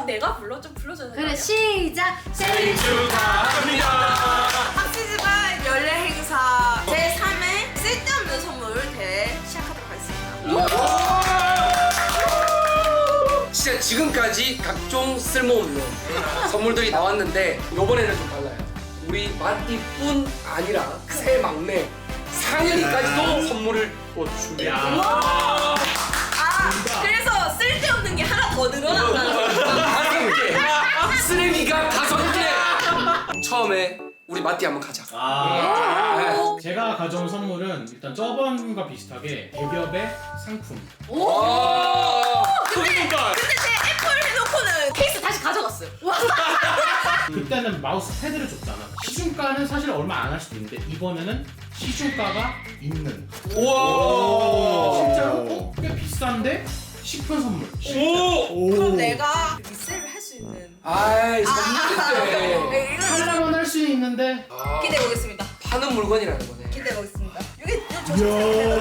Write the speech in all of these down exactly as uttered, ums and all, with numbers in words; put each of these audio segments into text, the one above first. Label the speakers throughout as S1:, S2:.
S1: 내가 불러? 좀 불러줘야 돼.
S2: 그래 시작.
S3: 생일 축하합니다.
S1: 학시지만 연례 행사 제삼 회 쓸데없는 선물 대회 시작하도록 하겠습니다.
S4: 진짜 지금까지 각종 쓸모없는 선물들이 나왔는데 요번에는 좀 달라요. 우리 마띠뿐 아니라 새 막내 상현이까지도 선물을 또 준비했어요.
S1: 아 그래서 쓸데없는 게 하나 더 늘어난다는 거.
S4: 다섯 개! 쓰레기가 다섯 개! 처음에 우리 마띠 한번 가자.
S3: 아.
S4: 네.
S3: 제가 가져온 선물은 일단 저번과 비슷하게 대기업의 상품.
S4: 오!
S1: 근데 근데 제 애플 해놓고는 케이스 다시 가져갔어요.
S3: 그때는 마우스 패드를 줬잖아. 시중가는 사실 얼마 안 할 수도 있는데 이번에는 시중가가 있는.
S4: 우와!
S3: 실제로 어? 꽤 비싼데 싶은 선물.
S4: 오!
S1: 그럼 내가 리셀을 할 수 있는.
S4: 아이 선물인데
S1: 네, 이거
S3: 하려면 할 수 있는데.
S4: 아,
S1: 기대해 보겠습니다.
S4: 파는 물건이라는 거네.
S1: 기대해 보겠습니다. 이게 이거
S5: 이야,
S1: 조심해야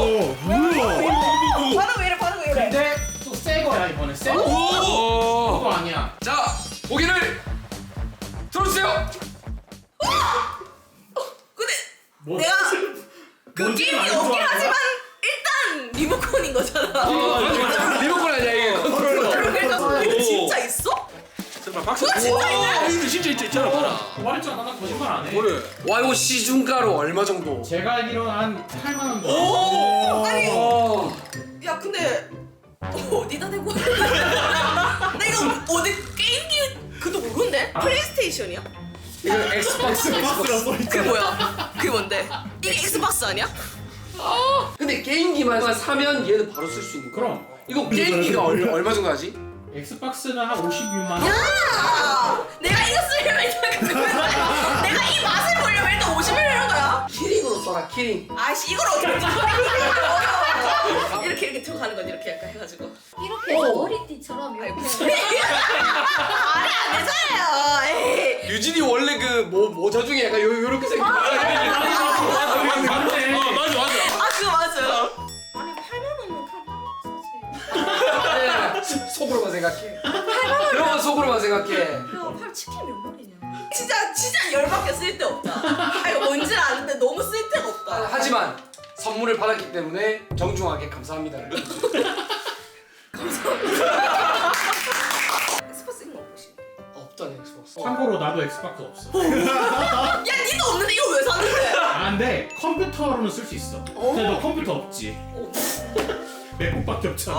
S5: 뭐야?
S1: 반응 왜 이래 반응 왜 이래?
S3: 근데 또 새 거야 이번에 새 거.
S4: 오!
S3: 그거 아니야.
S4: 자, 고기를 들어주세요.
S1: 근데
S3: 뭐?
S1: 내가 그
S3: 뭔지
S1: 게임이
S3: 알고
S1: 없긴
S3: 하는
S1: 하지만 일단 리모컨인 거잖아.
S4: 리모컨 아니야 이게 컨트롤러.
S1: 그래서 이거 진짜 있어?
S6: 정말 박수.
S1: 그거 진짜 있네?
S6: 이거 진짜 있- 있잖아, 봐라.
S3: 말했잖아 나 거짓말 안 해.
S6: 그래.
S4: 와 이거 시중가로 얼마 정도?
S3: 제가 알기로 한 팔만 원.
S1: 오! 아니
S4: 어.
S1: 야 근데 어디다 대고 나 이거 어디 게임기 그도 모르는데? 플레이스테이션이야?
S4: 이거 엑스박스
S5: 박스라 써있잖아.
S1: 그게 뭐야? 그게 뭔데? 이게 엑스박스 아니야?
S4: 근데 게임기만 사면 얘는 바로 쓸 수 있는 거야.
S3: 그럼
S4: 이거 게임기가 얼, 얼마 정도 하지?
S3: 엑스박스는 한 오십육만 원.
S1: 야! 내가 이거 쓰려면 일단 내가 이 맛을 보려면 일단 오십 일 이런 거야?
S4: 키링으로 써라 키링.
S1: 아이씨 이걸 어떻게 이렇게 이렇게 들어가는 거지 이렇게 약간 해가지고
S2: 이렇게 해서 머리띠처럼 이렇게.
S1: 말이 안 되잖아요. 에이.
S4: 유진이 원래 그 뭐 모자 중에 약간 요 요렇게 생긴 거.
S3: 맞네.
S6: 어, 맞아, 맞아.
S1: 아 그거 맞아요.
S2: 아니 팔만 원은 팔 사지.
S4: 속으로만 생각해. 그런 건 속으로만 생각해.
S1: 야팔 치킨 몇 마리냐? 진짜 진짜 열받게 쓸데없다. 아 이거 뭔지 아는데 너무 쓸데가 없다.
S4: 하지만 선물을 받았기 때문에 정중하게 감사합니다.
S1: 엑스박스 있는 거 보시.
S4: 없다네 엑스박스.
S3: 참고로 나도 엑스박스 없어.
S1: 야 니도 없는데 이거 왜 사는데?
S3: 아 근데 컴퓨터로는 쓸 수 있어. 근데 너 컴퓨터 없지? 맥북밖에 없잖아.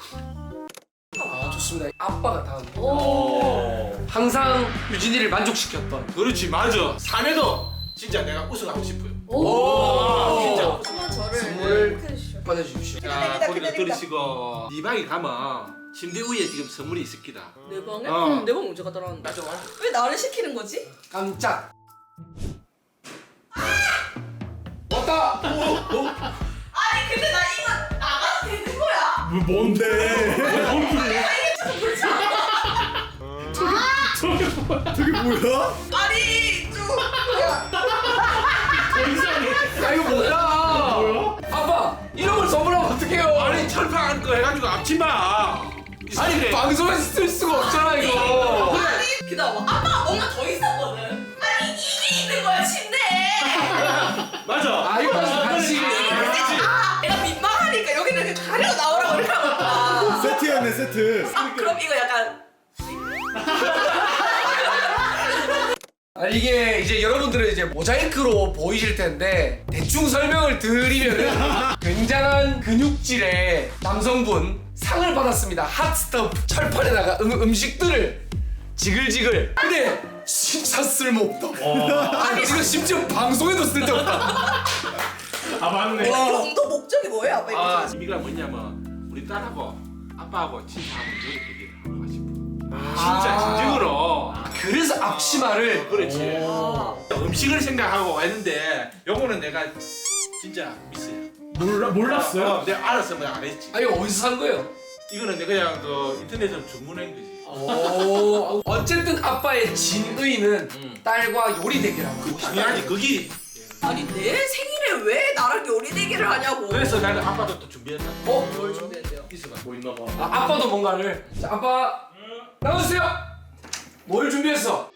S4: 아 좋습니다. 아빠가 다음.
S2: 오.
S4: 항상 유진이를 만족시켰던.
S6: 그렇지, 맞아. 삶에도 진짜 내가 우승하고 싶어요.
S4: 오.
S6: 진짜.
S1: 한번 저를
S4: 선물을
S1: 해 주시죠.
S4: 받아주십시오.
S6: 자,
S1: 기다립니다,
S6: 거기를
S1: 기다립니다.
S6: 들으시고 네 방에 가면 침대 위에 지금 선물이 있을 기다.
S1: 내 방에?
S6: 어.
S1: 응, 내 방 언제 가더라?
S6: 맞아, 맞아.
S1: 왜 나를 시키는 거지?
S4: 깜짝. 왔다.
S1: 아니 근데 나 이거 나가도 되는 거야?
S3: 뭐 뭔데?
S5: 저게 뭐야?
S1: 아니 좀 뭐야?
S3: 더 이상해.
S4: 야 이거 뭐야?
S3: 뭐야?
S4: 아빠 이런 걸 선물하면 어떡해요?
S6: 아니, 철판 거 해가지고 앞치마.
S4: 아니 방송에서 쓸 수가 없잖아 이거.
S1: 아니 그다음 아빠가 뭔가 더 있었거든. 아니 이게 있는 거야 침대에.
S6: 맞아.
S4: 아 이거 간식.
S1: 아 내가 민망하니까 여기는 이렇게 가려 나오라고 이렇게 하고. 아,
S5: 세트였네, 세트.
S1: 아 그럼 이거 약간
S4: 아 이게 이제 여러분들은 이제 모자이크로 보이실 텐데 대충 설명을 드리면은 굉장한 근육질의 남성분 상을 받았습니다. 핫스톱 철판에다가 음, 음식들을 지글지글. 근데 진짜 쓸모없다. 아니 지금 심지어 방송에도 쓸데없다.
S3: 아 맞네.
S1: 정도 목적이 뭐예요 아빠 이거?
S6: 아, 의미가 뭐냐면 우리 딸하고 아빠하고 진짜 한번 이렇게 얘기를 하고 싶어. 진짜
S4: 아.
S6: 진정으로.
S4: 그래서 앞치마를.
S6: 그렇지.
S1: 아.
S6: 음식을 생각하고 했는데 요거는 내가 진짜 미스야.
S3: 몰라 몰랐어요?
S6: 어, 내가 알았으면 안 했지.
S4: 아니 어디서 산 거예요?
S6: 이거는 내가 그냥 그 인터넷으로 주문한 거지.
S4: 오 어쨌든 아빠의 진의는
S6: 음.
S4: 딸과 요리 대결하고 싶다.
S6: 당연하지. 거기.
S1: 아니 내 생일에 왜 나랑 요리 대결을 하냐고.
S6: 그래서 나는 아빠도 또 준비했다.
S4: 어?
S1: 뭘 준비했대요?
S6: 있어봐.
S3: 뭐 있나 봐.
S4: 아, 아빠도 뭔가를. 자 아빠 나와주세요. 뭘 준비했어?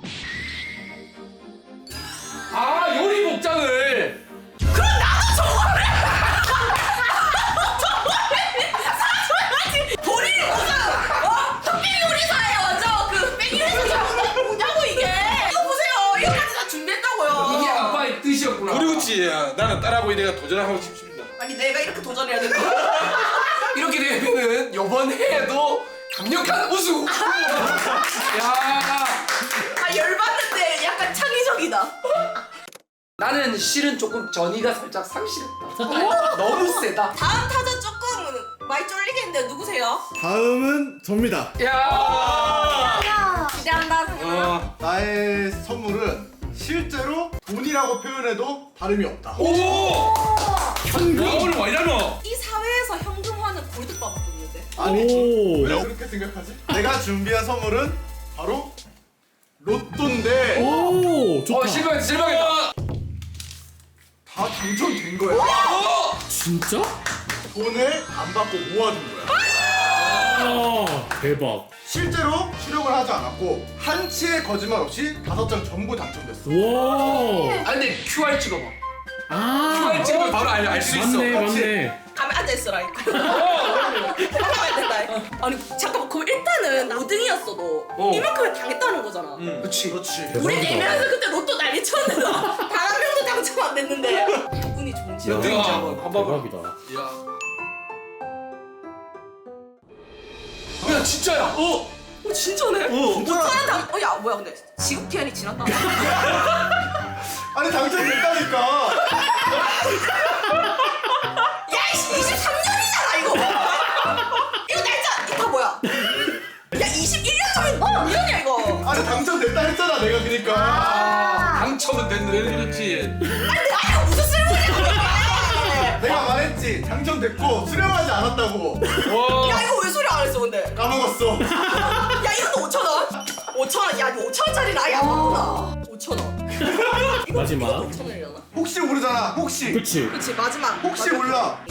S4: 아 요리 복장을.
S1: 그럼 나도 저거를 본인이 무슨 어? 흑백 요리사예요 완전 그 백일에서 저거 뭐냐고 이게 이거 보세요 이거까지 다 준비했다고요
S4: 이게 아빠의 뜻이었구나.
S6: 그렇지. 나는 딸하고 내가 도전하고 싶습니다.
S1: 아니 내가 이렇게 도전해야 되는 거야
S4: 이렇게 되면은 이번 해에도 강력한 우승. 야.
S1: 아 열받는데 약간 창의적이다
S4: 나는 실은 조금 전이가 살짝 상실했다. 너무 세다.
S1: 다음 타자 조금 많이 쫄리겠는데 누구세요?
S5: 다음은 접니다.
S4: 야.
S2: 야.
S1: 기대한다
S6: 어.
S5: 나의 선물은 실제로 돈이라고 표현해도 다름이 없다.
S6: 오. 현금. 와 오늘 많이 나노.
S1: 이 사회에서 현금화는 골드밥 먹는데
S5: 아니 왜 그렇게 생각하지? 내가 준비한 선물은 바로 로또인데
S3: 오 좋다.
S4: 어 실망했다 실망했다.
S5: 다 당첨된 거야.
S6: 어.
S3: 진짜?
S5: 돈을 안 받고 모아둔 거야.
S3: 아 대박.
S5: 실제로 수령을 하지 않았고 한치의 거짓말 없이 다섯 장 전부 당첨됐어.
S3: 와.
S4: 아 근데 큐알 찍어봐.
S3: 아
S4: 큐알 찍으면 바로 알 수 있어.
S3: 맞네
S5: 맞지?
S3: 맞네.
S1: 가면 앉아있어라 이거 가면 된다 아니 잠깐만 그럼 일단은 오 등이었어도
S4: 어.
S1: 이만큼은 당했다는 거잖아
S4: 그렇지.
S5: 그렇지.
S1: 우리
S3: 대박이다.
S1: 네 명에서 그때 로또 난리 쳤는데 단 한 명도 당첨 안 됐는데 운이 좋은
S3: 야,
S1: 친구
S6: 내가 한번 봐봐.
S3: 대박이다.
S4: 야. 야 진짜야. 어.
S1: 어 진짜네?
S6: 어.
S1: 오천원 당.. 어 야 뭐야 근데 지급 기한이 지났다
S5: 아니 당첨됐다니까.
S1: 야이씨 이십삼 년이잖아 이거 이거 날짜 이거 뭐야 야 이십일 년 전에 어 년이야 이거
S5: 아니 당첨됐다 했잖아 내가 그니까.
S4: 아, 당첨은 됐는데.
S6: 그렇지.
S1: 아니 내가 무슨 쓸모냐
S5: 내가 말했지 당첨됐고 수령하지 않았다고.
S6: 와.
S1: 야 이거 왜 소리 안 했어 근데
S5: 까먹었어.
S1: 야 이것도 오천원? 오천원 야 이거 오천원짜리는 아예 안 봤구나 오천원
S3: 마지막.
S1: 오천원이려나?
S5: 혹시 모르잖아. 혹시.
S3: 그치.
S1: 그치 마지막
S5: 혹시 몰라.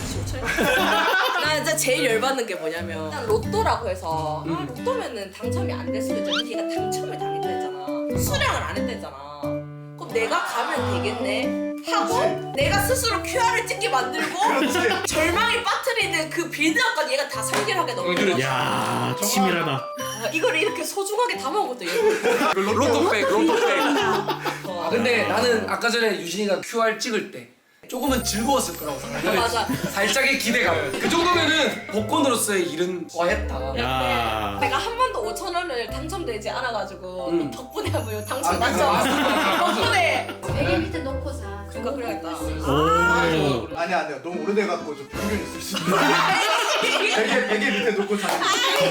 S1: 나 진짜 제일 열받는 게 뭐냐면 일단 로또라고 해서 아, 로또면은 당첨이 안 될 수도 있잖아 걔가 당첨을 당했다 했잖아 수령을 안 했다 했잖아 그럼 내가 가면 되겠네 하고 내가 스스로 큐알을 찍게 만들고
S5: 그렇지.
S1: 절망이 빠뜨리는 그 빌드업까지 얘가 다 설계를 하게 넣는
S6: 그렇지.
S1: 거야
S3: 야 치밀하다.
S1: 아, 이거를 이렇게 소중하게 담아온 것도 얘가
S4: 로또백 로또백.
S1: 어.
S4: 아 근데 나는 아까 전에 유진이가 큐알 찍을 때 조금은 즐거웠을 거라고 생각해.
S1: 맞아.
S4: 살짝의 기대감. 그 정도면은 복권으로서의 일은 과했다.
S3: 야.
S1: 내가 한 번도 오천 원을 당첨되지 않아가지고
S4: 음.
S1: 덕분에 뭐요
S4: 아,
S1: 당첨
S4: 맞아,
S1: 당첨 덕분에
S2: 베개 밑에 놓고 사.
S1: 그러니까 그래야겠다.
S3: 오.
S5: 아니 아니야 너무 오래돼갖고 좀 변경이 있을 수 있어. 베개 베개 밑에 놓고 자는.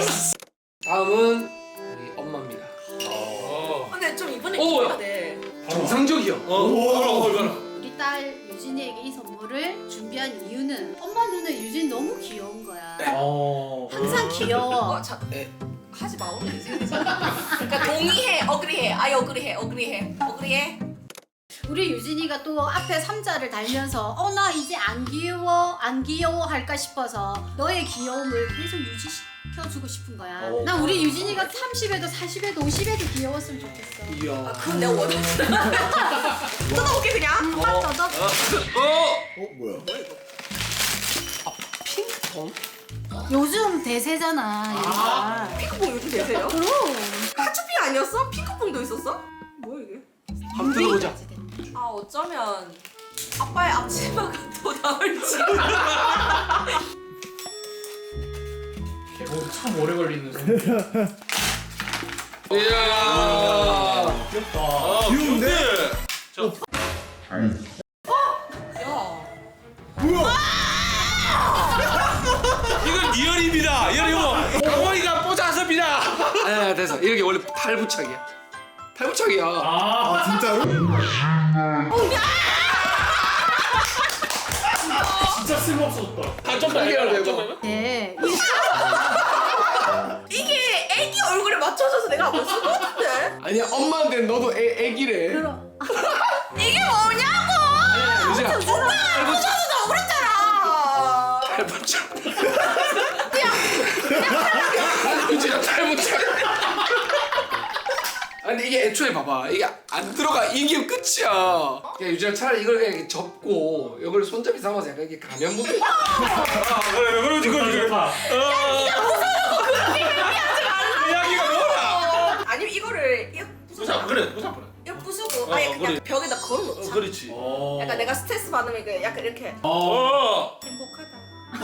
S4: 다음은 우리 엄마입니다.
S6: 어.
S1: 근데 좀 이번에
S4: 오,
S1: 기대가
S4: 야.
S1: 돼.
S4: 정상적이야.
S6: 어. 얼마나?
S2: 우리 딸 유진이에게 이 선물을 준비한 이유는 엄마 눈에 유진 너무 귀여운 거야.
S3: 어.
S2: 항상 귀여워.
S1: 어, 자, 에, 하지 마 오늘 인생. 그러니까 동의해, 어그리해, 아예 어그리해, 어그리해, 어그리해.
S2: 우리 유진이가 또 앞에 삼자를 달면서 어 나 이제 안 귀여워 안 귀여워 할까 싶어서 너의 귀여움을 계속 유지시켜주고 싶은 거야.
S3: 오.
S2: 난 우리 유진이가 삼십에도 사십에도 오십에도 귀여웠으면 좋겠어.
S1: 아,
S4: 이야.
S1: 그건 내가 원했어. 뜯어볼게 그냥.
S2: 오빠 더더
S6: 어.
S5: 어 뭐야?
S4: 핑퐁?
S2: 요즘 대세잖아. 얘가.
S1: 핑크퐁 요즘 되세요?
S2: 그럼.
S1: 하츄핑 아니었어? 핑크퐁도 있었어? 뭐야 이게?
S4: 한번 들어보자.
S1: 아 어쩌면 아빠의 앞치마가 더 나을지.
S3: 개봉 참 오래 걸리는 선물.
S6: 이야.
S3: 귀엽다.
S6: 아,
S5: 귀여운데?
S6: 저.
S1: 야.
S5: 뭐야?
S6: 이건 리얼입니다. 리얼 이거 강원이가 뽀자섭니다.
S4: 아니야 됐어. 이렇게 원래 탈부착이야. 탈부착이야.
S3: 아.
S5: 아 진짜로?
S3: 진짜 쓸모없었다.
S6: 다좀
S4: 빨리
S6: 좀
S2: 네.
S1: 이게 애기 얼굴에 맞춰져서 내가 한번 쓴 것 같은데?
S4: 아니야 엄마인데 너도 애, 애기래.
S2: 그럼.
S1: 이게 뭐냐고!
S4: 유진아.
S1: 오빠가 안 맞춰서 나 억울했잖아!
S4: 탈부착. 유진아 탈부착. 이게 애초에 봐봐 이게 안 들어가 이게 끝이야. 야 유진아 차라리 이걸 그냥 이렇게 접고 이걸 손잡이 삼아서 약간 이렇게 가면 보게.
S6: 아 그래 그러지 그러지.
S3: 좋다.
S6: 이야기가 뭐라?
S1: 아니면 이거를 이거 부수고
S6: 부상 그래 부상 그래.
S1: 이거 부수고
S6: 어,
S1: 아예 그냥
S6: 그래.
S1: 벽에다 걸어놓자.
S6: 어 그렇지.
S3: 어.
S1: 약간 내가 스트레스 받으면 이거 약간 이렇게
S6: 어.
S1: 행복하다.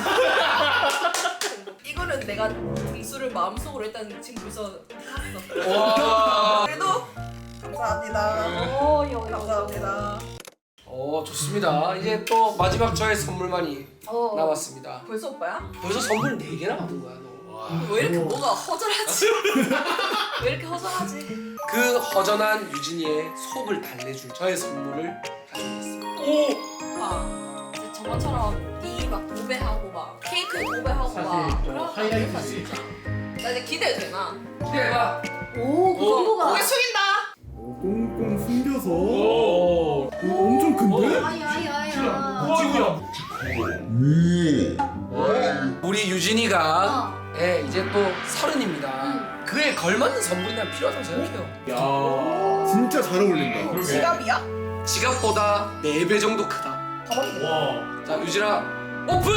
S1: 이거는 내가 등수를 마음속으로 일단 지금 벌써 샀어.
S4: 와.
S1: 그래도 감사합니다.
S2: 오, 요,
S1: 감사합니다.
S4: 어 좋습니다. 이제 또 마지막 저의 선물만이
S2: 어.
S4: 남았습니다.
S1: 벌써 오빠야?
S4: 벌써 선물 네 개나 받은 거야 너.
S1: 왜 이렇게 뭐가 허전하지? 왜 이렇게 허전하지?
S4: 그 허전한 유진이의 속을 달래줄 저의 선물을 가져오겠습니다.
S6: 오.
S1: 오빠 이제 저번처럼 니 막 도배하고 막 케이크에 도배하고
S3: 사실
S1: 막
S3: 저
S1: 그런 거
S3: 하이라이트지.
S1: 아니야, 진짜. 나 이제 기대도 되나?
S4: 기대해봐.
S2: 오, 그 정도가.
S1: 고개 숙인다.
S5: 꽁꽁 숨겨서.
S3: 오.
S5: 오, 엄청 큰데?
S2: 아야야야.
S3: 지구야.
S4: 우리 유진이가
S2: 어.
S4: 예, 이제 또 서른입니다.
S2: 응.
S4: 그에 걸맞는 선물이 난 필요하다고 생각해요.
S3: 야.
S5: 진짜 잘 어울린다.
S3: 그러게.
S1: 지갑이야?
S4: 지갑보다 네 배 정도 크다.
S3: 와.
S4: 자 유진아 오픈!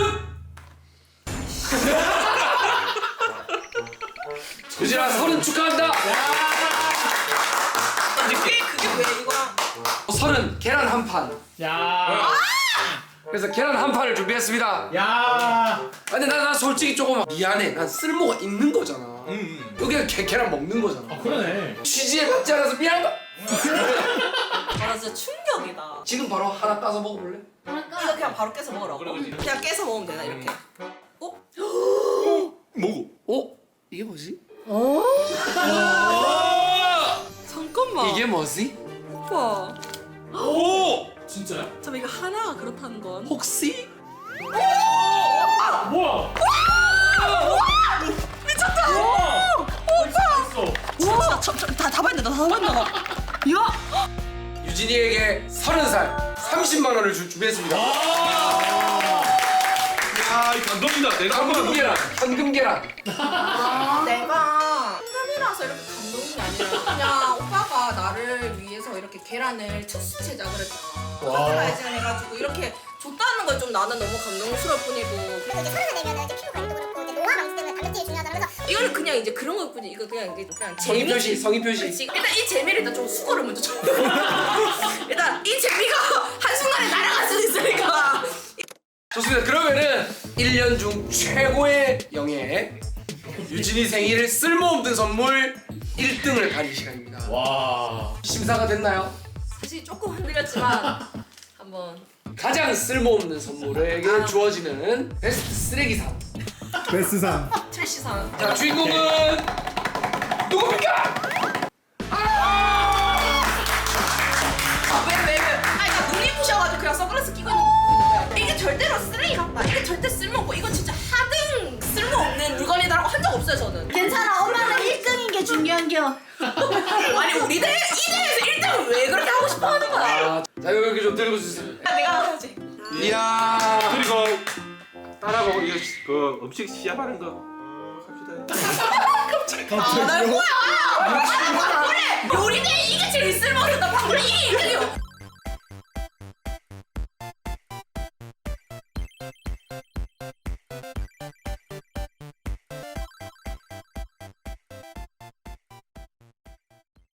S4: 유진아 서른 축하한다.
S1: 그게 그게 왜 이거랑?
S4: 서른 계란 한 판.
S3: 야.
S4: 그래서 계란 한 판을 준비했습니다.
S3: 야.
S4: 근데 나, 나 솔직히 조금 미안해. 난 쓸모가 있는 거잖아.
S6: 음.
S4: 여기가 게, 계란 먹는 거잖아.
S3: 아 그러네.
S4: 취지에 맞지 않아서 미안하다.
S1: 아, 나 진짜 충격이다.
S4: 지금 바로 하나 까서 먹어볼래?
S1: 이거 그냥 바로 깨서 먹으라고.
S6: 그래, 그래.
S1: 그냥 깨서 먹으면 되나 이렇게? 어?
S6: 뭐고?
S4: 어? 이게 뭐지?
S1: 잠깐만.
S4: 이게 뭐지?
S1: 오빠.
S6: 오.
S3: 진짜야?
S1: 잠깐 이거 하나가 그렇다는 건.
S4: 혹시?
S3: 뭐야?
S1: 미쳤다.
S3: 와.
S1: 오빠. 와, 저, 저, 다, 다 봤는데, 다 봤나? 야.
S4: 유진이에게 서른 살 삼십만 원을 줄 준비했습니다.
S6: 야, 이 감동이다. 내가
S4: 현금
S6: 한번
S4: 계란, 현금 계란.
S1: 아, 내가 한감이라서 이렇게 감동이 아니라 그냥 오빠가 나를 위해서 이렇게 계란을 특수 제작을 했잖아.
S3: 와.
S1: 커스터마이징 해가지고 이렇게 줬다는 건 좀 나는 너무 감동스러울 뿐이고.
S7: 그리고 이제 서른 살 되면은 이제 피부 관리도 그렇고 이제 노화 방지 때문에 단백질이 중요하잖아. 그래서
S1: 이거는 그냥 이제 그런 것 뿐이 이거 그냥 이게 그냥
S4: 성의
S1: 재미.
S4: 표시, 성의 표시.
S1: 그치. 일단 이 재미를 일단 좀 수고를 먼저 줘. 일단 이 재미가 한순간에 날아갈 수도 있으니까.
S4: 좋습니다. 그러면은 일 년 중 최고의 영예 유진이 생일 쓸모없는 선물 일 등을 가릴 시간입니다.
S3: 와.
S4: 심사가 됐나요?
S1: 사실 조금 흔들렸지만 한번.
S4: 가장 쓸모없는 선물에게 주어지는 베스트 쓰레기상.
S5: 베스상.
S1: 트래시상.
S4: 자 주인공은 누굽니까?
S1: 아, 왜, 왜, 왜? 아니, 나 눈이 부셔가지고 그냥 선글라스 끼고 있는 거야. 이게 절대로 쓰레기 같다. 이게 절대 쓸모없고, 이건 진짜 하등 쓸모없는 물건이다라고 한 적 없어요, 저는.
S2: 괜찮아. 엄마는 일 등인 게 중요한겨.
S1: 아니, 우리 대, 이 대에서 일 등을 왜 그렇게 하고 싶어 하는 거야?
S4: 아, 자 여기 좀 들고 주세요.
S1: 내가 해야지.
S4: 이야.
S6: 그리고 딸하고 이거 시- 그 음식 시합하는 거 어, 합시다.
S1: 아, 나 뭐야? 아, 나 그래! 요리대 이게 제일 쓸모없다. 방금 이게 일 등이요.